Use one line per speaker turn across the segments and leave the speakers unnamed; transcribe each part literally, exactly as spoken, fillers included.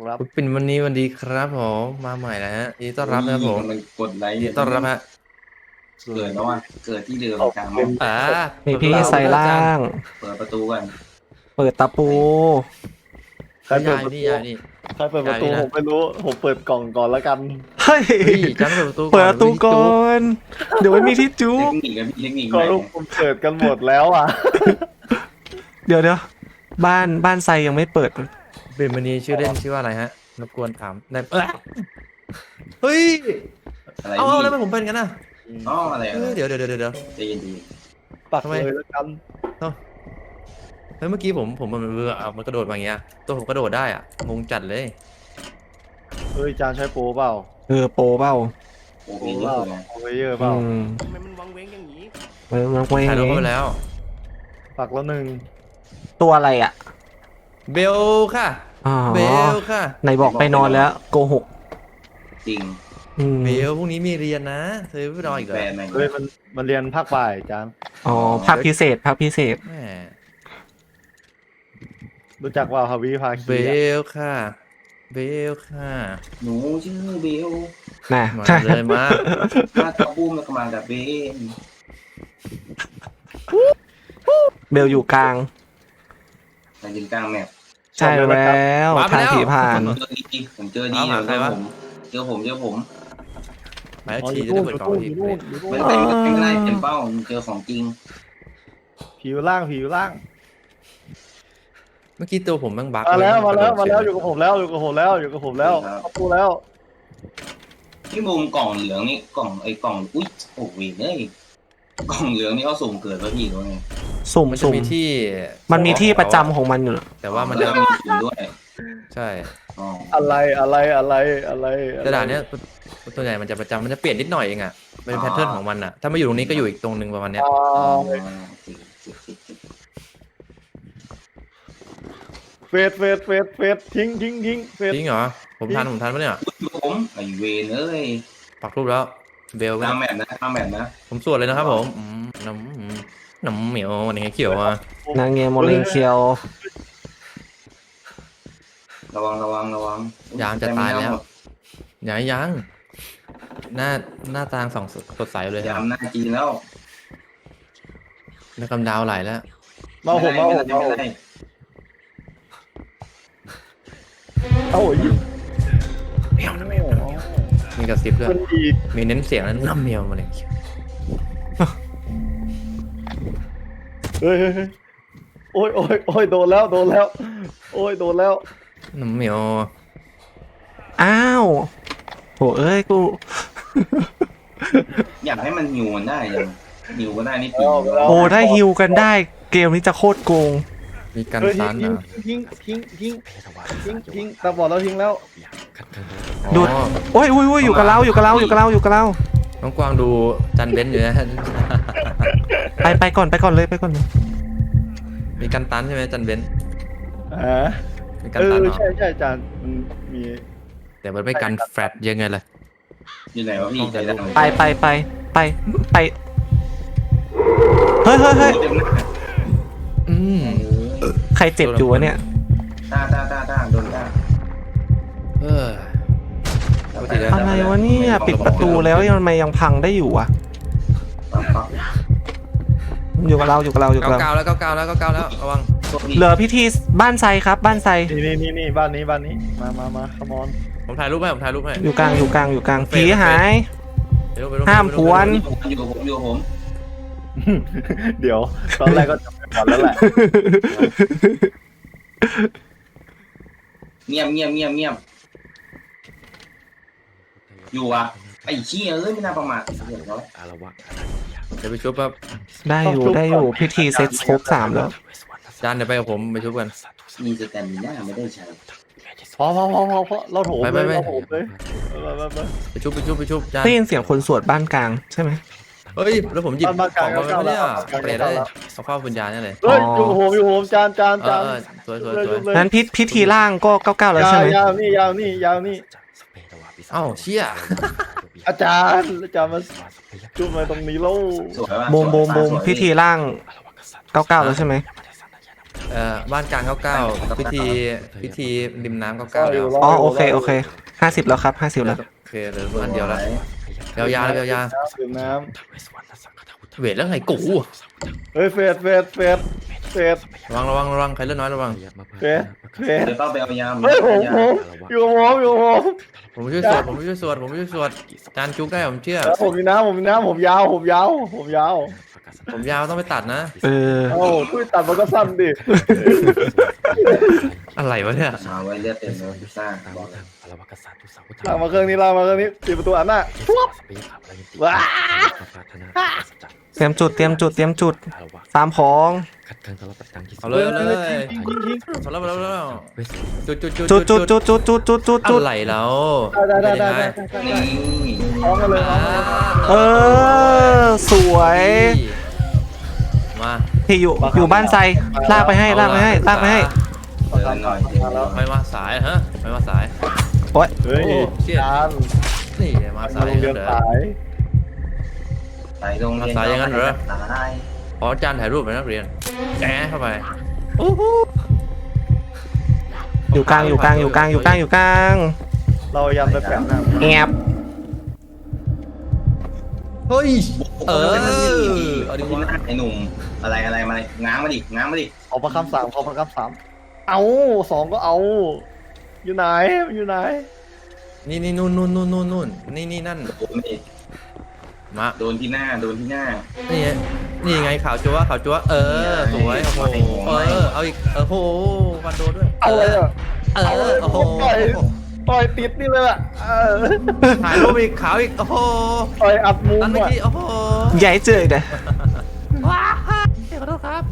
ครับ
เป็นวันนี้วันดีครับผมมาใหม่แล้วฮะยินดีต้อนรับนะครับผม
กำลังกดไลค์
ยิน
เนี่ย
ดีต้อนรับฮะ
เกิดแล้วอ่ะเกิดที่เดิมกลาง
เป็
เนาะ
น
อ่า
มีพี่ใส่ล่าง
เปิดประตูกัน
เปิดตะปู
ใครเปิ
ยา
ด
ย
ประ
นี่
ตู
ยายนี่
ใครเปิดประตู
ยายนี่นะ
ผมไม่รู้ผมเปิดกล่องก่อนแล้วกัน
เฮ้ย
เฮ้ยจังเปิดประตู
เปิดประตูก่อน เดี๋ยวไม่มีที่จุ
เท
บ
คนิคกับพี่เทคนิค
ก็
ไหน
ลูกผมเปิดกันหมดแล้วอ่ะ
เดี๋ยวเดี๋ยวบ้านบ้านไซยังไม่เปิด
เป็นวันนี้ชื่อเล่นชื่อว่าอะไรฮะรบกวนถามได้เอ้ยเฮ้ย
อะไร
เอา
พี่
เอาแล้วทำไมผมเป็นกันน่ะ
อ๋ออะไร
เออเดี๋ยวเดี๋ยวเดี๋ยวเดี๋ยว
ใจเย็นดี
ปัก
ทำไม
เลยแล้วกัน
เฮ้ยเมื่อกี้ผมผมมันมันเอามันกระโดดมาอย่างเงี้ยตัวผมกระโดดได้อ่ะงงจัดเลย
เฮ้ยจานใช้โปรเปล่า
เออโปรเปล่า
โอ้
โปร
พี่
เป
เย
ล่า
อะเลย
โปรเยอะเป
อื
ล่าม
ทำไมมันวังเว้งอย่างนี้
มันมันไม่
ถ่ายรูปเข้าไปแล้ว
ปักแล้วหนึ่ง
ตัวอะไรอ่ะ
เบลค่ะ
อ๋อ
เบลค่ะ
ไหนบอกไปนอนแล้วโกหก
จริง
อืม
เบลพรุ่งนี้มีเรียนนะเธอไม่รออีกเหร
แฟ
อน
แม่ง
เฮ้ยมันมันเรียนภาคบ่ายจาน
อ๋อภาคพิเศษภาคพิเศษ
แหม
รู้จักว่าฮาวิภาคี
เบลค่ะ เบลค่ะ
หนูชื่อเบล
นะ
มาเลยมา
มาตะบูมแล้วก็มากับเบน
เบลอยู่กลาง
มายืนกลางแมป
ใช่แล้วทางผีผ่าน
เจอดีผมเจอดีเจอผมเจอผมเจอผม
หมาย
อ๋ออ
ที
ยู่
จะ
นู่
ได้
น
เปิด
อก
ล่อง
ยู่
ที
นู่นอยู่นู่นอยู่
ไม่
นู่น
ได้ไม่ได้เป็นเป้าเจอของจริง
ผิวล่างผิวล่าง
เมื่อกี้ตัวผมแม่งบั๊ก
มาแล้ว
เย
มาแล้ว
กระ
มา
โดด
แล้ว
เฉ
อยู่กับผมแล้วอยู่กับผมแล้วอยู่กับผมแล้วเข้าตู้แล้ว
ที่มุมกล่องเหลืองนี่กล่องไอ้กล่องอุ้ยโอ้โหเอ้ยกล่องเหลืองนี่เขาสุ่มเกิดแล้วพี่ด้วยไง
สุ่ม
มันจะ
สุ่ม
มีที่
มันมีที่ประจำของมันอยู่
แต่ว่ามัน
แล้
จะ
วมีสุ่มด้วย
ใช่
อ๋อ
อะไรอะไรอะไรอะไร
แต่ด่านเนี้ยตัวใหญ่มันจะประจำมันจะเปลี่ยนนิดหน่อยเองอ่ะเป็นแพทเทิร์นของมันอ่ะถ้ามาอยู่ตรงนี้ก็อยู่อีกตรงหนึ่งประมาณเนี้ย
อ่า เฟดเฟดเฟดเฟดทิ้งทิ้งทิ้งเฟด
จริงเหรอผมทันผมทันปะเนี่ย
ผมไอเวนเอ้ย
ปักรูปแล้วเบล
ตามแมปนะตามแมปนะ
ผมสวดเลยนะครับผมอืมน้ำอืมน้ำเหมียวอะไรเงี้ยเขียวอ่ะ
นางเงโมเลนเคียว
ระวังระวังระวัง
ยามจะตายแล้วยังยังหน้าหน้าตางสองสดใสเลย
ยามหน้าจีนแล้ว
แล้วกำดาวไหลแล้ว
มาผมมาผมมาผมเอาโอ้ย
เหมียวน้ำเหมียวมีกระซิบด้วย
มันอีก
มีเน้นเสียงแล้วน้ำเหมียวมาเลย
เฮ้ยเฮ้ยเฮ้ยโอ้ยโอ้ยโอ้ยโดนแล้วโดนแล้ว โอ้ยโดนแล้ว
น้ำเหมียว
อ้าวโหเอ้ยกู
อยากให้มันหิวมันได้ยังหิวก็ได้นี่ตี
โอ้ได้ฮิวกันได้เกมนี้จะโคตรโกง
มีการ
เฮ้ย
ซัน
ทิ้ง
อ่ะ
ทิ้งทิ้งทิ้งทิ้งทิ้งตาบอดแล้วทิ้งแล้ว
ดู
อ๋อ
โอ้ยโอ้ยโอ้ยอยู่กับเราอยู่กับเราอยู่กับเราอยู่กับเรา
น้องกวางดูจันเบนซ์อยู่นะ
ไปไปก่อนไปก่อนเลยไปก่อนเลย
มีกันตันใช่ไหมจันเบนซ์
อ่า
มีกัน
เอ
ตัน
อ
เหรอ
ใช่ใช่จานมันมี
แต่มันไม่กันแฟลตยังไงล่ะ
อยู่ไหนวะพี่ใจดำ
ไปไปไปไปไปเฮ้ยเฮ้ยเฮ้ย
เต็มหน้า
อืม
ใครเจ็บอยู่วะเนี่ย
ตาตาตาตาโดนตา
เออ ปกติแล้ว
อะไรวะเนี่ยปิดประตูแล้วยังทำไมยังพังได้อยู่อ่ะอยู่กับเราอยู่กับเราอยู่กับ
เก้า
เรา
เก้าแล้วเก้าเก้าแล้วเก้าเก้าแล้วระวัง
เหลือพิธีบ้านไซครับบ้านไซ
นี่นี่นี่นี่บ้านนี้บ้านนี้มามามาขมอน
ผมถ่ายรูปให้ผมถ่ายรูปให้
อยู่กลางอยู่กลางอยู่กลางผีหาย
ไปรูปไปรูป
ห้ามพวน
อยู่กับผมอยู่กับผม
เดี๋ยวตอนแรกก็จับไปก่อนแล้วแหละ
เงียบเงียบเงียบเงียบอยู่อ่ะไอ้เชี่ยเอ้ยไม่น่าประมาทเดี๋ยวเขา
เดี๋ยวไปชุบครับ
ได้อยู่ได้อยู่พิธีเซ็ตครบสามแล้ว
จานเดี๋ยวไปกับผมไปชุบกัน
มีสแตนมิน่าไม่ได้ใช้
พอพอพอพอพอเราโถม
ไป
เล
ไป
ย
ไป
เราโถมเลยไปไปไป
ไปชุบไปชุบไปชุบจาน
ได้ยินเสียงคนสวดบ้านกลางใช่ไหม
เฮ้ยแล้วผมหยิบ
บ้าน
ของ
บ้านกลาง
มาไม่ได้
บ้านกลาง
เปลี่ยนได้เอาเข้าวิญญาณนี่เลย
เฮ้ยอยู่กับผมอยู่กับผมจานจาน
เอ
จา
อน เออสวยสวยสวย
นั้นพิพิธีล่างก็เก้าเก้าแล้ว
ยา
ใช่
ว
ไหม
ยาวนี่ยาวนี่ยาวนี่
เอ้าเชี่ย
อาจารย์อาจารย์มาจุ่มมาตรงนี้แล้ว
สวยป่ะ
โบมโบมโบมพิธีล่างเก้าเก้าแล้วใช่ไหม
เเอ่อบ้านกลางเก้าเก้าพิธีพิธีริมน้ำเก้าเก้า
อ
แล้ว
ยู่
อ๋อโอเคโอเคห้าสิบแล้วครับห้าสิบแล้ว
โอเคเหลือบ้านเดียวแล้วยาวๆเลยยาว
ดื่มน้
ๆเวทแล้วไงกู
ำเฮ้ยเฟดเฟดเฟดเฟด
ระวังระวังระวังใครเลือดน้อยระวัง
เฟดเฟด
เดี๋ยวต้องไปเอายา
เฮ้ยผมผมอยู่กับผมอยู่กับผม
ผมช่วยสวดผมช่วยสวดผมช่วยสวดจานจุกได้ผมเชื่อ
แล้วผมมีน้ำผมมีน้ำผมยาวผมยาวผมยาว
ผมยาวต้องไปตัดนะ
เออ
เอ้าทุยตัดมันก็สั้นดิ
อะไรวะเนี่ย
มาไว้เลือดเต็มเลยพิซซ่าบอกเลย
ลากมาเครื่องนี้ลากมาเครื่องนี้ปิดประตูอันน่ะว้า
เตรียมจุดเตรียมจุดเตรียมจุดตามของ
เอาเลยเอาเลย
ยิงยิงยิง
เอาแล้วเอาแล้วเอาแล้วจุดจุดจุด
จุดจุดจุดจุดจุดจุดจุดจุด
อะไรแล้ว
ได้ได้ได้ได้ได้
นี่
พร้อมกันเลยพร้อมกันเลย
เออสวย
มา
ที่อยู่อยู่บ้านไซลากไปให้ลากไปให้ลากไปให้
เดินหน่อยเดินหน่อย
ไม่มาสายฮะไม่มาสาย
โอ๊ย
เฮ้ย
โอ้เชี่ย
จาน
นี่มา
มา
สาย
โรงเรียน
เดี๋ยว
สาย
สายโรงเรียน
สายอย่างนั้นเหรอ
สาย
ขอจานถ่ายรูปไปนักเรียนแจ๊เข้าไป
อยู่กลางอยู่กลางอยู่กลางอยู่กลางอยู่กลาง
เรายำไปแปะหน้า
แอบ
เฮ้ยเออ
เอา
เอา
ดิ
ดิ
วะ
วะ
ไอ้หนุ่มอะไรอะไรมาเลยง้างมาดิง้างมาดิ
ขอประคำสามขอประคำสามเอาสองก็เอา อยู่ไหนอยู่ไหน
นี่นี่นู่นนู่นนู่นนู่นนู่นนี่นี่นั่น
โดนดิ
มา
โดนที่หน้าโดนที่หน้า
นี่ไงนี่ไงข่าวจัวข่าวจัวเออสวยโอ้โหเออเอาอีกเออโหวันโดด้วย
เอาเลยอ่ะ
เออโอ้โห
ต่อยต่อยติดนี่เลยอ่ะเออ
ถ่ายรูปอีกขาวอีกโอ้โห
ต่อยอัดมุม
นั่นเมื่อ
อ่ะ
กี้โอ้โห
ใหญ่เจอเด้อ
ว้าขอโทษครับ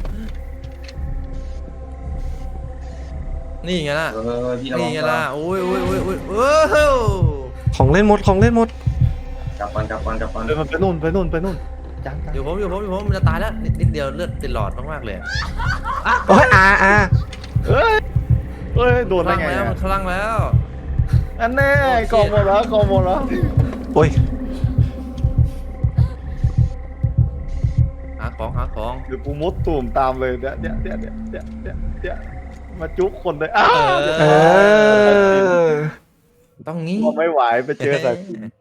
นี่ไงล่ะ
เออพี่ระวั
นี่
ง
ไงล่ะโอ้ยโอ้ยโอ้ยโอ้ยโอ้โห
ของเล่นหมดของเล่นหมด
กลับก่อนกลับก่อนกลับก่อน
เดินมันไปนู่นไปนู่นไปนู่นจังจัง
อยู่ผมอยู่ผมอยู่ผมมันจะตายแล้วนิดนิดเดียวเลือดติดหลอดมากๆเลยอะ
โอ้ยอาอา
เฮ้ยเฮ้ยโดน
ค
ได้
ลั่ง
ไง
แล้ว
อ่ะ
มันคลั่งแล้ว
อันแน่กองหมดแล้วกองหมดแล้ว
โอ้ย
หาของหาของ
เดี๋ยวกูมุดตุ่มตามเลยเดี๋ยวเดี๋ยวเดี๋ยวเดี๋ยวเดี๋ยวเดี๋ยวเดี๋ยวมาจุกคนเลยอ้าว
เออ
ต้องงี้
พอไม่ไหวไปเจอแต่
เ